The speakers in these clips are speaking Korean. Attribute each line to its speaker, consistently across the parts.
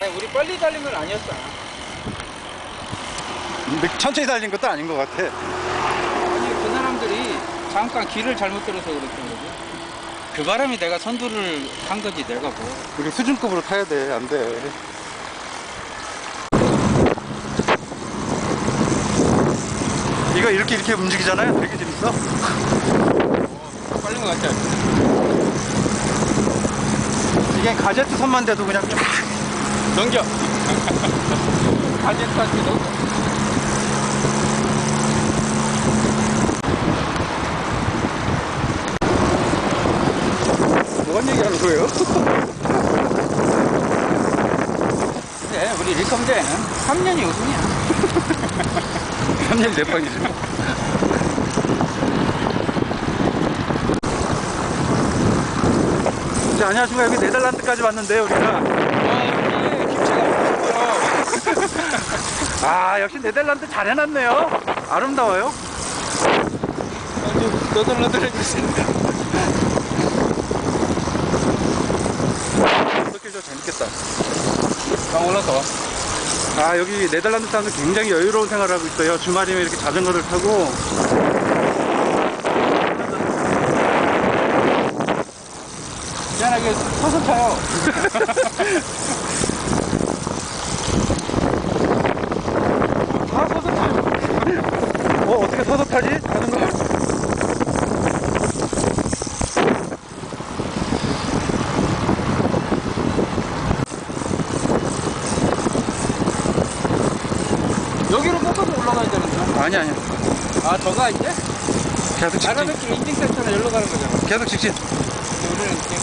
Speaker 1: 우리 빨리 달린 건 아니었잖아.
Speaker 2: 근데 천천히 달린 것도 아닌 것 같아.
Speaker 1: 아니 그 사람들이 잠깐 길을 잘못 들어서 그랬던 거지. 그 바람에 내가 선두를 한 거지 내가 뭐.
Speaker 2: 우리 수준급으로 타야 돼. 안 돼. 이거 이렇게 움직이잖아요. 되게 재밌어.
Speaker 1: 빨린 거 같지 않아?
Speaker 2: 이게 가제트 선만 돼도 그냥 쫙
Speaker 1: 넘겨. 가제트한테 넘겨.
Speaker 2: 뭔 얘기하는 거예요?
Speaker 1: 그래 우리 리컴대회는 3년이 우승이야.
Speaker 2: 3년 4번이죠. 자, 안녕하십니까. 여기 네덜란드까지 왔는데 우리가.
Speaker 1: 김치가 없고요.
Speaker 2: 아, 역시 네덜란드 잘 해놨네요. 아름다워요.
Speaker 1: 너덜너덜 해주신다.
Speaker 2: 어떻게 저 재밌겠다.
Speaker 1: 올라서 와.
Speaker 2: 아, 여기 네덜란드 사람들 굉장히 여유로운 생활을 하고 있어요. 주말이면 이렇게 자전거를 타고.
Speaker 1: 미안하게 서서 타요. 다 서서 타요.
Speaker 2: 어떻게 서서 타지? 자전거?
Speaker 1: 여기로 뽑아서 올라가야 되는데.
Speaker 2: 아니.
Speaker 1: 아, 저가 이제?
Speaker 2: 계속 직진.
Speaker 1: 아라뱃길 인증센터는 여기로 가는 거잖아.
Speaker 2: 계속 직진.
Speaker 1: 우리는 이렇게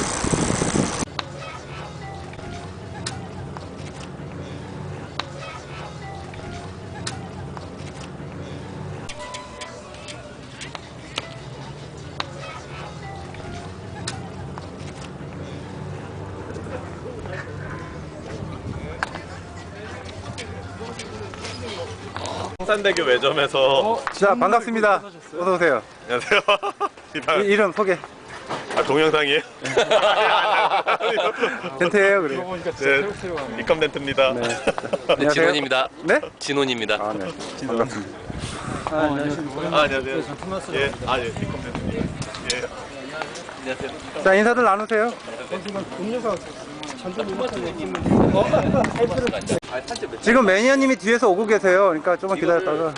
Speaker 3: 성산대교 매점에서
Speaker 2: 자, 반갑습니다. 어서오세요.
Speaker 3: 안녕하세요.
Speaker 2: 이름 소개.
Speaker 3: 아, 동영상이에요?
Speaker 2: 덴트예요, 그래.
Speaker 3: 네, 리컴덴트입니다.
Speaker 2: 네.
Speaker 4: 네,
Speaker 2: 안녕하세요.
Speaker 4: 진원입니다.
Speaker 2: 네?
Speaker 4: 진원입니다.
Speaker 2: 아, 네. 반갑습니다.
Speaker 3: 아, 안녕하세요. 예, 리컴덴트입니다. 예. 안녕하세요.
Speaker 2: 자, 인사들 나누세요. 지금 매니아님이 뒤에서 오고 계세요. 그러니까 조금만 기다렸다가.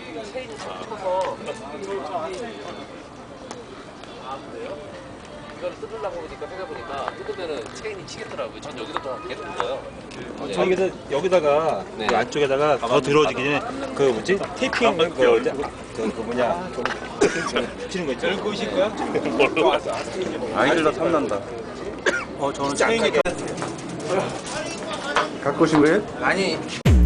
Speaker 4: 이거를 뜯으려고 보니까 생각해보니까 뜯으면은 체인이 치겠더라고요. 전 여기서 좀 계속 뜯어요.
Speaker 5: 여기다가
Speaker 4: 네.
Speaker 5: 그 안쪽에다가 더 들어오기 전에 그 뭐지 테이핑 그 뭐냐 붙이는 거 있죠? 열고 오실 거야?
Speaker 2: 아이들도 탐난다.
Speaker 5: 저는 체인이
Speaker 2: 갖고 오신 거예요?
Speaker 1: 아니